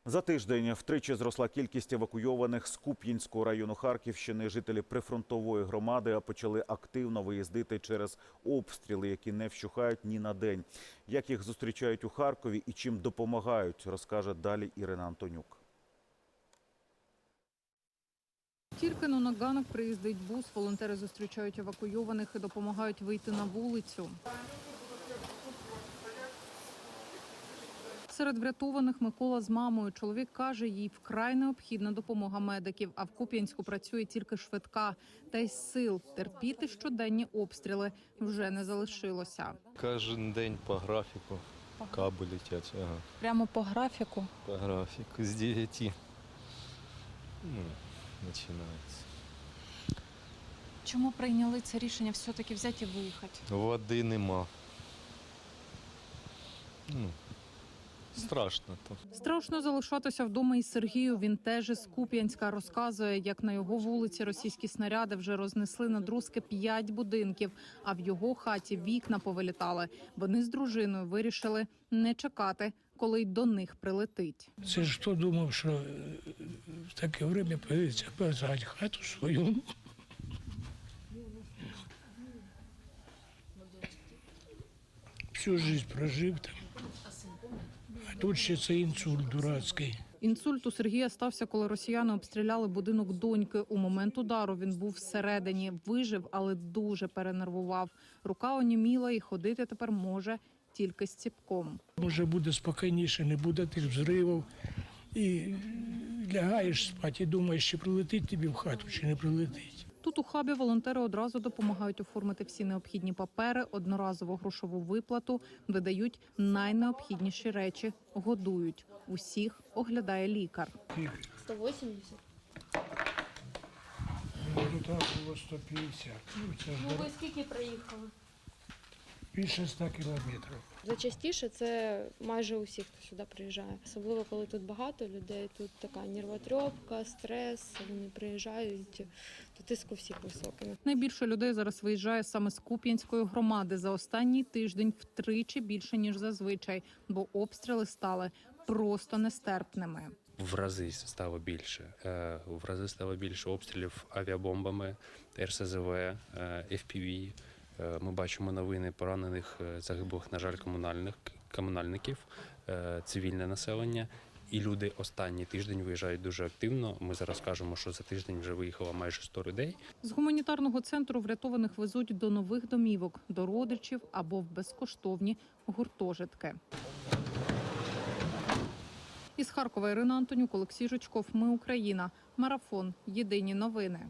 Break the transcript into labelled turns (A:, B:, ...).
A: За тиждень втричі зросла кількість евакуйованих з Куп'янського району Харківщини. Жителі прифронтової громади почали активно виїздити через обстріли, які не вщухають ні на день. Як їх зустрічають у Харкові і чим допомагають, розкаже далі Ірина Антонюк.
B: Тільки на ганок приїздить бус, волонтери зустрічають евакуйованих і допомагають вийти на вулицю. Серед врятованих Микола з мамою. Чоловік каже, їй вкрай необхідна допомога медиків, а в Куп'янську працює тільки швидка. Та й сил терпіти щоденні обстріли вже не залишилося.
C: Кожен день по графіку каби летять. Ага.
B: Прямо по графіку?
C: По графіку з 9 починається.
B: Чому прийняли це рішення все-таки взяти і виїхати?
C: Води нема. Страшно там.
B: Страшно залишатися вдома і Сергію. Він теж із Куп'янська. Розказує, як на його вулиці російські снаряди вже рознесли на друзки 5 будинків, а в його хаті вікна повилітали. Вони з дружиною вирішили не чекати, коли й до них прилетить.
D: Це ж хто думав, що в таке время появиться позгать хату свою. Всю життя прожив там. А тут ще це інсульт дурацький.
B: Інсульт у Сергія стався, коли росіяни обстріляли будинок доньки. У момент удару він був всередині. Вижив, але дуже перенервував. Рука оніміла і ходити тепер може тільки з ціпком.
D: Може буде спокійніше, не буде тих взривів. І лягаєш спати і думаєш, чи прилетить тобі в хату, чи не прилетить.
B: Тут у хабі волонтери одразу допомагають оформити всі необхідні папери, одноразову грошову виплату, видають найнеобхідніші речі, годують. Усіх оглядає лікар.
E: 180.
D: Тут було 150. Це ж
E: Ви скільки проїхали?
D: більше 100 кілометрів.
E: Зачастіше це майже усі, хто сюди приїжджає. Особливо, коли тут багато людей, тут така нервотрепка, стрес, вони приїжджають, то тиск у всіх високий.
B: Найбільше людей зараз виїжджає саме з Куп'янської громади. За останній тиждень втричі більше, ніж зазвичай, бо обстріли стали просто нестерпними.
F: В рази стало більше. В рази стало більше обстрілів авіабомбами, РСЗВ, FPV. Ми бачимо новини поранених, загиблих, на жаль, комунальників, цивільне населення. І люди останній тиждень виїжджають дуже активно. Ми зараз кажемо, що за тиждень вже виїхало майже 100 людей.
B: З гуманітарного центру врятованих везуть до нових домівок, до родичів або в безкоштовні гуртожитки. Із Харкова Ірина Антонюк, Олексій Жучков. Ми Україна. Марафон. Єдині новини.